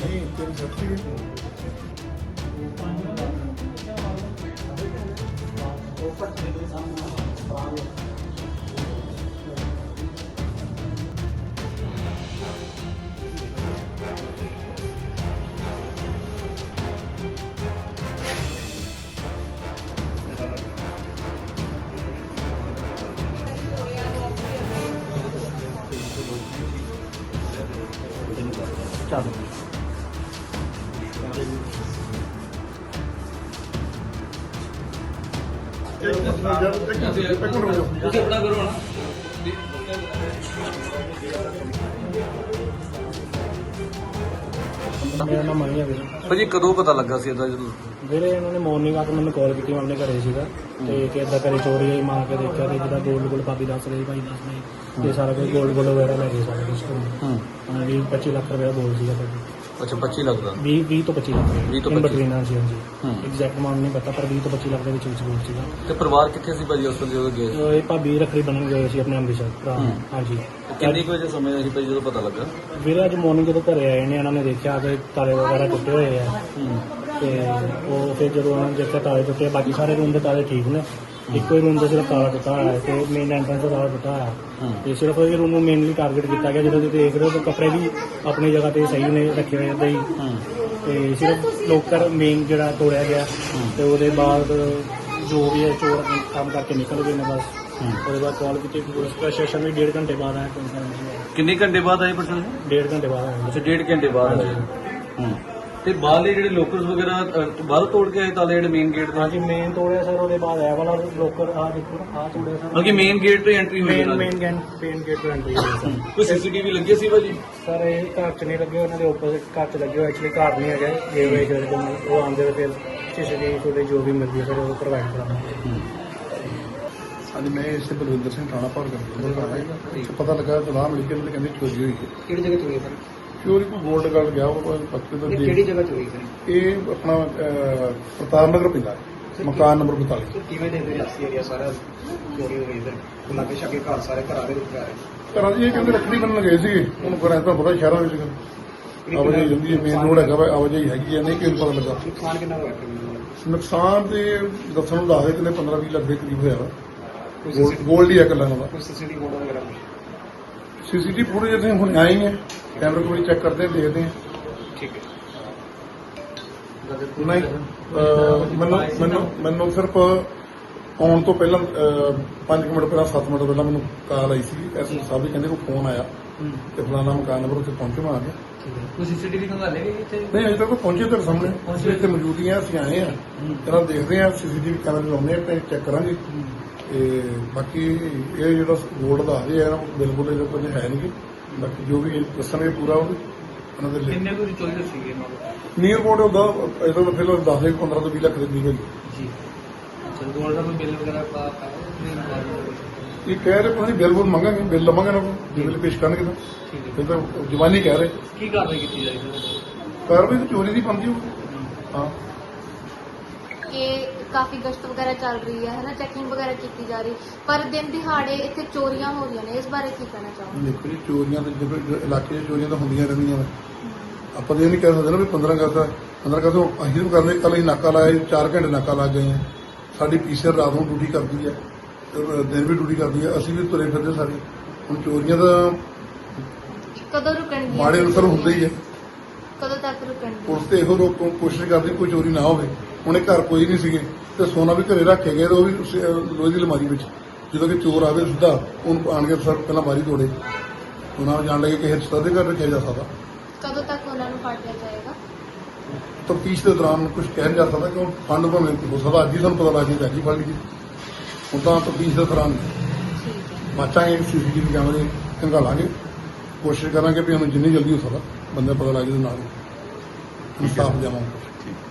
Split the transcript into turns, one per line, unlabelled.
नहीं तेरी सब्जी
चलो
ਤੁਸੀਂ ਆਪਣਾ ਕਰੋ ਨਾ।
मेरा नाम मनी है ਵੀਰੇ।
ਭਾਜੀ ਕਦੋਂ ਪਤਾ ਲੱਗਾ ਸੀ ਇਹਦਾ ਜਦੋਂ
ਵੀਰੇ ਇਹਨਾਂ ਨੇ ਮਾਰਨਿੰਗ ਆ ਕੇ ਮੈਨੂੰ ਕਾਲ ਕੀਤੀ, ਮੈਂ ਆਪਣੇ ਘਰੇ ਸੀਗਾ ਤੇ ਕਿ ਏਦਾਂ ਘਰੇ ਚੋਰੀ ਹੋਈ। ਮਾਂ ਕੇ ਦੇਖਿਆ ਤੇ ਜਿਹਦਾ ਗੋਲਡ ਭਾਬੀ ਦੱਸ ਰਹੀ, ਭਾਈ ਦੱਸ ਰਹੀ ਤੇ ਸਾਰਾ ਕੁਝ ਗੋਲਡ ਵਗੈਰਾ ਲੈ ਗਏ ਸਾਰਾ ਕੁਝ। ਹਾਂ 20-25 ਲੱਖ ਰੁਪਏ ਬੋਲ ਸੀਗਾ ਭਾਜੀ।
ਅੱਛਾ 25 ਲੱਗਦਾ
20 ਤੋਂ 25 ਲੱਖ
20 ਤੋਂ
in
25
between, ਹਾਂਜੀ ਹਾਂਜੀ
ਹੂੰ।
ਐਗਜ਼ੈਕਟ ਅਮਾਉਂਟ ਨਹੀਂ ਪਤਾ ਪਰ 20 ਤੋਂ 25 ਲੱਖ ਦੇ ਵਿੱਚ ਬੋਲ ਸੀਗਾ।
ਤੇ ਪਰਿਵਾਰ ਕਿੱਥੇ ਸੀ ਭਾਜੀ ਉਸ ਵੇਲੇ ਜਦੋਂ ਗਏ?
ਇਹ ਭਾਬੀ ਰੱਖੜੀ ਬੰਨ੍ਹਣ ਗਏ ਸੀ ਆਪਣੇ ਅੰਮ੍ਰਿਤਸਰ ਭਰਾ।
ਹੂੰ।
ਹਾਂਜੀ
ਕਿੰਨੇ ਕੁ ਵਜੇ ਸਮੇਂ ਸੀ ਭਾਜੀ ਜਦੋਂ ਪਤਾ ਲੱਗਾ?
ਵੀਰੇ ਅੱਜ ਮਾਰਨਿੰਗ ਜਦੋਂ ਘਰੇ ਆਏ ਨੇ ਇਹਨਾਂ ਨੇ ਦੇਖਿਆ ਕਿ ਤਾਲੇ ਵਗੈਰਾ ਟੁੱਟੇ ਹੋਏ ਆ ਤੇ ਉਹ ਫਿਰ ਜਦੋਂ ਉਹਨਾਂ ਨੇ ਦੇਖਿਆ ਤਾਲੇ ਟੁੱਟੇ, ਬਾਕੀ ਸਾਰੇ ਰੂਮ ਦੇ ਤਾਲੇ ਠੀਕ ਨੇ, ਇੱਕੋ ਹੀ ਰੂਮ ਦਾ ਸਿਰਫ ਤਾਲਾ ਟੁੱਟਾ ਹੋਇਆ ਹੈ ਤੇ ਮੇਨ ਐਂਟਰੈਂਸ ਦਾ ਤਾਲਾ ਟੁੱਟਾ ਹੋਇਆ ਤੇ ਸਿਰਫ ਇਹ ਰੂਮ ਨੂੰ ਮੇਨਲੀ ਟਾਰਗੇਟ ਕੀਤਾ ਗਿਆ। ਜਦੋਂ ਤੁਸੀਂ ਦੇਖ ਰਹੇ ਹੋ ਤਾਂ ਕੱਪੜੇ ਵੀ ਆਪਣੀ ਜਗ੍ਹਾ ਤੇ ਸਹੀ ਨੇ ਰੱਖੇ ਹੋਏ ਏਦਾਂ ਹੀ ਤੇ ਸਿਰਫ ਲੋਕਰ ਮੇਨ ਜਿਹੜਾ ਤੋੜਿਆ ਗਿਆ ਤੇ ਉਹਦੇ ਬਾਅਦ ਜੋ ਵੀ ਹੈ ਚੋਰ ਕੰਮ ਕਰਕੇ ਨਿਕਲ ਗਏ ਨੇ ਬਸ। ਉਹਦੇ ਬਾਅਦ ਕਾਲ ਕੀਤੀ ਪੁਲਿਸ ਪ੍ਰਸ਼ਾਸਨ ਵੀ 1.5 ਘੰਟੇ ਬਾਅਦ ਆਇਆ।
ਕਿੰਨੇ ਘੰਟੇ ਬਾਅਦ ਆਏ ਪਰਸਨ?
1.5 ਘੰਟੇ ਬਾਅਦ ਆਇਆ।
ਅੱਛਾ 1.5 ਘੰਟੇ ਬਾਅਦ ਆਏ। ਤੇ ਬਾਹਰਲੇ ਜਿਹੜੇ ਲੋਕਰਸ ਵਗੈਰਾ ਬਾਹਰ ਤੋੜ ਕੇ ਆਏ ਤਾਲੇ ਜਿਹੜੇ ਮੇਨ ਗੇਟ ਦੇ?
ਹਾਂਜੀ ਮੇਨ ਤੋੜਿਆ ਸਰ, ਉਹਦੇ ਬਾਅਦ ਇਹ ਵਾਲਾ ਲੋਕਰ ਆ ਦੇਖੋ ਆ ਤੋੜਿਆ ਸਰ।
ਬਲਕਿ ਮੇਨ ਗੇਟ ਤੋਂ ਐਂਟਰੀ ਹੋਈ
ਮੇਨ ਗੇਟ ਤੋਂ ਐਂਟਰੀ ਹੋਈ ਸਰ।
ਕੋਈ ਸੀਸੀਟੀਵੀ ਲੱਗੇ ਸੀ ਭਾਜੀ?
ਸਰ ਇਹ ਘਰ ਚ ਨਹੀਂ ਲੱਗੇ, ਉਹਨਾਂ ਦੇ ਆਪੋਜ਼ਿਟ ਘਰ ਚ ਲੱਗੇ ਹੋਏ। ਐਕਚੁਅਲੀ ਘਰ ਨਹੀਂ ਹੈਗਾ ਇਹ ਵੇ ਜਿਹੜੇ ਉਹ ਆਉਂਦੇ ਹੋਏ ਫਿਰ ਸੀਸੀਟੀਵੀ ਫੁਟੇਜ ਜੋ ਵੀ ਮਿਲਦੀ ਹੈ ਸਰ ਉਹ ਪ੍ਰੋਵਾਈਡ ਕਰਾਂਗੇ।
ਅੱਜ ਮੈਂ ਇਸੇ ਬਲਵਿੰਦਰ ਸਿੰਘ ਥਾਣਾ ਭਰ ਕਰ ਪਤਾ ਲੱਗਾ ਸਲਾਹ ਮਿਲੀ ਕਿ ਉਹਨਾਂ ਕਹਿੰਦੇ ਚੋਰੀ ਹੋਈ ਹੈ।
ਕਿਹੜੀ ਜਗ੍ਹਾ ਚੋਰੀ ਸਰ?
ਚੋਰੀ ਕੋਈ ਗੋਲਡ ਗਾਰਡ ਗਿਆ ਉਹ ਪੱਕੇ ਤੋਂ
ਕਿਹੜੀ ਜਗ੍ਹਾ ਚੋਰੀ ਸਰ?
ਇਹ ਆਪਣਾ ਪ੍ਰਤਾਪ ਨਗਰ ਪੈਂਦਾ ਹੈ, ਮਕਾਨ ਨੰਬਰ 42।
ਕਿਵੇਂ ਦੇ ਰਿਆਸੀ ਏਰੀਆ ਸਾਰਾ ਚੋਰੀ ਹੋ ਗਈ ਸਰ? ਲਾਗੇ ਛਾਗੇ ਘਰ ਸਾਰੇ ਘਰਾਂ ਦੇ ਵਿੱਚ ਆ ਰਹੇ।
ਘਰਾਂ ਦੀ ਇਹ ਕਹਿੰਦੇ ਰੱਖੜੀ ਬੰਨਣ ਗਏ ਸੀਗੇ, ਉਹਨੂੰ ਘਰਾਂ ਤਾਂ ਪਤਾ ਸ਼ਹਿਰਾਂ ਵਿੱਚ ਆਵਾਜਾਈ ਜਾਂਦੀ ਹੈ, ਮੇਨ ਰੋਡ ਹੈਗਾ ਵਾ, ਆਵਾਜਾਈ ਹੈਗੀ ਹੈ, ਨਹੀਂ ਕਿਹਨੂੰ ਪਤਾ ਲੱਗਾ।
ਨੁਕਸਾਨ ਕਿੰਨਾ ਹੋਇਆ?
ਨੁਕਸਾਨ ਤੇ ਦੱਸਣ ਨੂੰ ਦੱਸਦੇ ਕਿ 15-20 ਲੱਖ ਦੇ ਕਰੀਬ ਹੋਇਆ ਵਾ। ਗੋਲਡ ਹੀ ਹੈ ਇਕੱਲਾ ਨਾਲ।
ਕੋਈ ਸੀਸੀਟੀਵੀ ਫੋਟੋ ਵਗੈਰਾ?
ਸੀਸੀਟੀਵੀ ਫੁਟੇਜ ਅਸੀਂ ਹੁਣ ਆਏ ਹੀ ਹੈ, ਕੈਮਰੇ ਕੋਲ ਚੈੱਕ ਕਰਦੇ ਹਾਂ, ਦੇਖਦੇ ਹਾਂ।
ਠੀਕ ਹੈ।
ਨਹੀਂ ਮੈਨੂੰ ਸਿਰਫ ਆਉਣ ਤੋਂ ਪਹਿਲਾਂ 5 ਮਿੰਟ ਪਹਿਲਾਂ 7 ਮਿੰਟ ਪਹਿਲਾਂ ਮੈਨੂੰ ਕਾਲ ਆਈ ਸੀ ਐਸਐਸ ਸਾਹਿਬ ਦੀ, ਕਹਿੰਦੇ ਕੋਈ ਫੋਨ ਆਇਆ ਤੇ ਫਲਾਣਾ ਮਕਾਨ ਨੰਬਰ ਉੱਤੇ ਪਹੁੰਚੇ ਮੈਂ ਆ ਗਿਆ।
ਕੋਈ ਸੀਸੀਟੀਵੀ ਖੰਗਾ ਲੈ ਗਏ ਇੱਥੇ?
ਨਹੀਂ ਅਜੇ ਤੱਕ ਕੋਈ ਪਹੁੰਚੇ ਤੇਰੇ ਸਾਹਮਣੇ, ਅਸੀਂ ਇੱਥੇ ਮੌਜੂਦ ਹੀ ਹਾਂ, ਅਸੀਂ ਆਏ ਹਾਂ ਇਹਨਾਂ ਦੇਖਦੇ ਹਾਂ, ਸੀਸੀਟੀਵੀ ਕੈਮਰੇ ਲਾਉਂਦੇ ਹਾਂ ਤੇ ਚੈੱਕ ਕਰਾਂਗੇ। ਤੇ ਬਾਕੀ ਇਹ ਜਿਹੜਾ ਗੋਲਡ ਦਾ ਆ ਰਿਹਾ ਬਿਲਕੁਲ ਇਹਦਾ ਕੁਝ ਹੈ ਨਹੀਂ, ਬਾਕੀ ਜੋ ਵੀ ਦੱਸਣਗੇ ਪੂਰਾ ਉਹ ਉਹਨਾਂ ਦੇ ਲਈ।
ਕਿੰਨੇ ਕੁ ਚੋਰੀ ਸੀਗੇ
ਨੀਅਰ ਬੋਰਡ ਹੁੰਦਾ ਇਹਦਾ ਫਿਲਹਾਲ 10 15 ਤੋਂ 20 ਲੱਖ ਦੇ ਕਰੀਬ ਹੈ
ਜੀ? ਚਲ ਗੋਲਡ ਦਾ ਕੋਈ ਬਿੱਲ ਵਗੈਰਾ
ਇਹ ਕਹਿ ਰਹੇ ਪਤਾ ਨਹੀਂ ਬਿੱਲ ਬੁੱਲ ਮੰਗਾਂਗੇ, ਬਿੱਲ ਲਵਾਂਗੇ ਨਾ ਬਿੱਲ ਪੇਸ਼ ਕਰਨਗੇ ਤਾਂ ਇਹ ਤਾਂ ਜਵਾਨੀ ਕਹਿ ਰਹੇ।
ਕੀ ਕਾਰਵਾਈ ਕੀਤੀ ਜਾਏਗੀ?
ਕਾਰਵਾਈ ਤਾਂ ਚੋਰੀ ਦੀ ਬਣਦੀ ਹੋਊ। ਹਾਂ
ਕਿ ਕਾਫੀ ਗਸ਼ਤ ਵਗੈਰਾ ਚੱਲ ਰਹੀ ਹੈ ਨਾ, ਚੈਕਿੰਗ ਵਗੈਰਾ ਕੀਤੀ ਜਾ ਰਹੀ, ਪਰ ਦਿਨ ਦਿਹਾੜੇ ਇੱਥੇ ਚੋਰੀਆਂ ਹੋ ਰਹੀਆਂ ਨੇ, ਇਸ ਬਾਰੇ ਕੀ ਕਹਿਣਾ ਚਾਹੋਗੇ?
ਦੇਖੋ ਜੀ ਚੋਰੀਆਂ ਤਾਂ ਜਦੋਂ ਇਲਾਕੇ 'ਚ ਚੋਰੀਆਂ ਤਾਂ ਹੁੰਦੀਆਂ ਰਹਿੰਦੀਆਂ ਨੇ, ਆਪਾਂ ਤਾਂ ਇਹ ਨਹੀਂ ਕਹਿ ਸਕਦੇ ਨਾ ਵੀ 15 ਅਗਸਤ ਅਸੀਂ ਵੀ ਕਰਨੇ। ਕੱਲ ਅਸੀਂ ਨਾਕਾ ਲਾਇਆ 4 ਘੰਟੇ ਨਾਕਾ ਲਾ ਗਏ ਹਾਂ, ਸਾਡੀ ਪੀਸੀਆਰ ਰਾਤ ਨੂੰ ਡਿਊਟੀ ਕਰਦੀ ਹੈ, ਦਿਨ ਵੀ ਡਿਊਟੀ ਕਰਦੀ ਹੈ, ਅਸੀਂ ਵੀ ਤੁਰੇ ਫਿਰਦੇ ਸਾਰੇ। ਹੁਣ ਚੋਰੀਆਂ ਤਾਂ
ਕਦੋਂ ਰੁਕਣਗੀਆਂ?
ਮਾੜੇ ਅਨਸਰ ਹੁੰਦੇ ਹੀ ਹੈ,
ਕਦੋਂ ਤੱਕ ਰੁਕਣਗੀਆਂ?
ਪੁਲਿਸ ਤੇ ਇਹੋ ਕੋਸ਼ਿਸ਼ ਕਰਦੀ ਕੋਈ ਚੋਰੀ ਨਾ ਹੋਵੇ। ਹੁਣ ਇਹ ਘਰ ਕੋਈ ਨਹੀਂ ਸੀਗੇ ਤੇ ਸੋਨਾ ਵੀ ਘਰੇ ਰੱਖੇ ਗਏ, ਉਹ ਵੀ ਲੋਹੇ ਦੀ ਅਲਮਾਰੀ ਵਿੱਚ। ਜਦੋਂ ਕਿ ਚੋਰ ਆਵੇ ਸਿੱਧਾ ਉਹਨੂੰ ਆਣ ਕੇ ਸਰ ਪਹਿਲਾਂ ਬਾਰੀ ਤੋੜੇ, ਉਹਨਾਂ ਨੂੰ ਜਾਣ ਲੱਗੇ ਕਿ ਹਿੱਸਾ ਦੇ ਘਰ ਰੱਖਿਆ ਜਾ ਸਕਦਾ।
ਕਦੋਂ ਤੱਕ ਉਹਨਾਂ ਨੂੰ ਫੜ ਲਿਆ ਜਾਏਗਾ?
ਤਫਤੀਸ਼ ਦੇ ਦੌਰਾਨ ਕੁਝ ਕਹਿ ਨਹੀਂ ਜਾ ਸਕਦਾ ਕਿ ਫੰਡ ਭਾਵੇਂ ਹੋ ਸਕਦਾ ਅੱਜ ਹੀ ਸਾਨੂੰ ਪਤਾ ਲੱਗ ਜਾਏ, ਅੱਜ ਹੀ ਫੜ ਲਈ। ਹੁਣ ਤਾਂ ਤਫਤੀਸ਼ ਦੇ ਦੌਰਾਨ
ਠੀਕ ਹੈ।
ਬਾਚਾਂਗੇ, ਸੀਸੀਟੀਵੀ ਕੈਮਰੇ ਖੰਗਾਲਾਂਗੇ, ਕੋਸ਼ਿਸ਼ ਕਰਾਂਗੇ ਵੀ ਉਹਨੂੰ ਜਿੰਨੀ ਜਲਦੀ ਹੋ ਸਕਦਾ ਬੰਦੇ ਪਤਾ ਲੱਗ ਜਾਏ ਨਾਲ ਇਨਸਾਫ ਦੇਵਾਂਗੇ।